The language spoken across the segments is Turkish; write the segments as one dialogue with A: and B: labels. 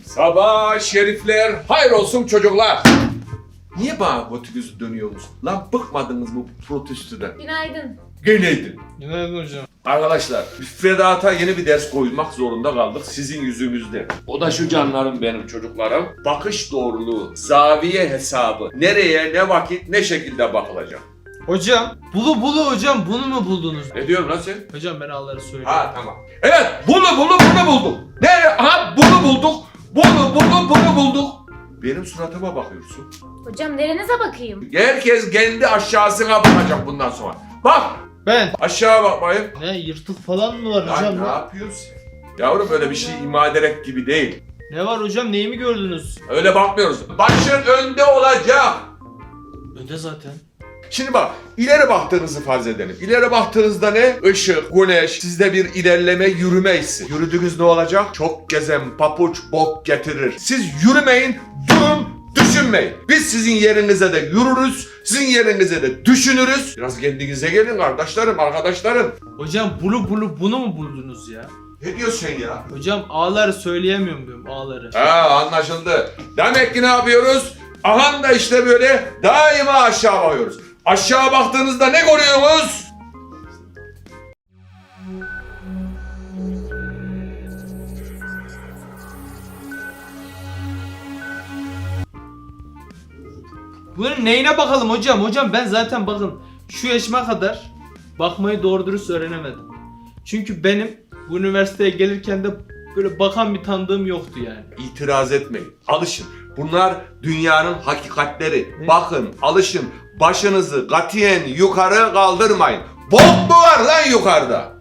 A: Sabah şerifler, hayır olsun çocuklar. Niye bana götünüzü dönüyorsunuz? Lan bıkmadınız bu protestodan.
B: Günaydın.
A: Geleydin.
C: Günaydın hocam.
A: Arkadaşlar, müfredata yeni bir ders koymak zorunda kaldık sizin yüzünüzden. O da şu canlarım benim çocuklarım. Bakış doğruluğu, zaviye hesabı. Nereye, ne vakit, ne şekilde bakılacak.
C: Hocam, bulu hocam, bunu mu buldunuz?
A: Ne diyorsun lan sen?
C: Hocam ben A'ları söylüyorum.
A: Ha tamam. Evet, bunu bulduk. Ne? Ha bunu bulduk. Bunu bulduk. Benim suratıma bakıyorsun.
B: Hocam nerenize bakayım?
A: Herkes kendi aşağısına bakacak bundan sonra. Bak,
C: Ben.
A: aşağı bakmayın.
C: Ne, yırtık falan mı var
A: Lan
C: hocam?
A: ne yapıyorsun? Yavrum böyle bir şey ima ederek gibi değil.
C: Ne var hocam, neyi mi gördünüz?
A: Öyle bakmıyoruz. Başın önde olacak.
C: Önde zaten.
A: Şimdi bak, ileri baktığınızı farz edelim. İleri baktığınızda ne? Işık, güneş, sizde bir ilerleme, yürüme hissi. Yürüdüğünüz ne olacak? Çok gezen papuç bok getirir. Siz yürümeyin, durun, düşünmeyin. Biz sizin yerinize de yürürüz, sizin yerinize de düşünürüz. Biraz kendinize gelin kardeşlerim, arkadaşlarım.
C: Hocam bunu mu buldunuz ya?
A: Ne diyorsun sen ya?
C: Hocam A'ları söyleyemiyorum diyorum, A'ları.
A: Ha anlaşıldı. Demek ki ne yapıyoruz? Ahan da işte böyle daima aşağı bakıyoruz. Aşağı baktığınızda ne görüyorsunuz?
C: Bunun neyine bakalım hocam? Hocam ben zaten bakın şu yaşıma kadar bakmayı doğru dürüst öğrenemedim. Çünkü benim bu üniversiteye gelirken de böyle bakan bir tanıdığım yoktu yani.
A: İtiraz etmeyin. Alışın. Bunlar dünyanın hakikatleri.
C: Ne?
A: Bakın, alışın. Başınızı katiyen yukarı kaldırmayın. Bok mu var lan yukarıda?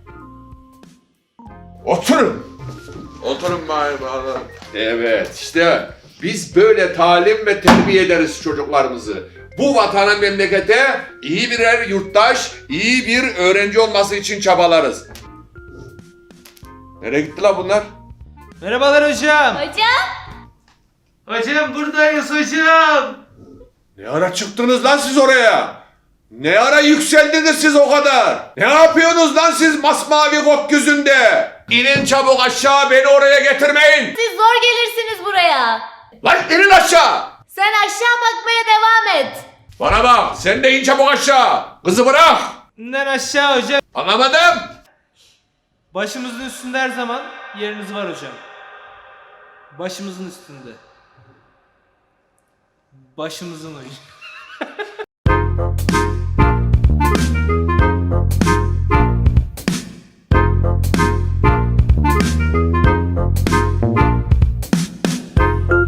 A: Oturun. Oturun bari. Evet işte biz böyle talim ve terbiye ederiz çocuklarımızı. Bu vatana memlekete iyi birer yurttaş, iyi bir öğrenci olması için çabalarız. Nereye gitti lan bunlar?
C: Merhabalar hocam.
B: Hocam.
C: Hocam buradayız hocam.
A: Ne ara çıktınız lan siz oraya? Ne ara yükseldiniz siz o kadar? Ne yapıyorsunuz lan siz masmavi gökyüzünde? İnin çabuk aşağı, beni oraya getirmeyin.
B: Siz zor gelirsiniz buraya.
A: Lan inin aşağı.
B: Sen aşağı bakmaya devam et.
A: Bana bak, sen de in çabuk aşağı. Kızı bırak.
C: İnden aşağı hocam.
A: Anlamadım.
C: Başımızın üstünde her zaman yeriniz var hocam. Başımızın üstünde. Başımızın ucu.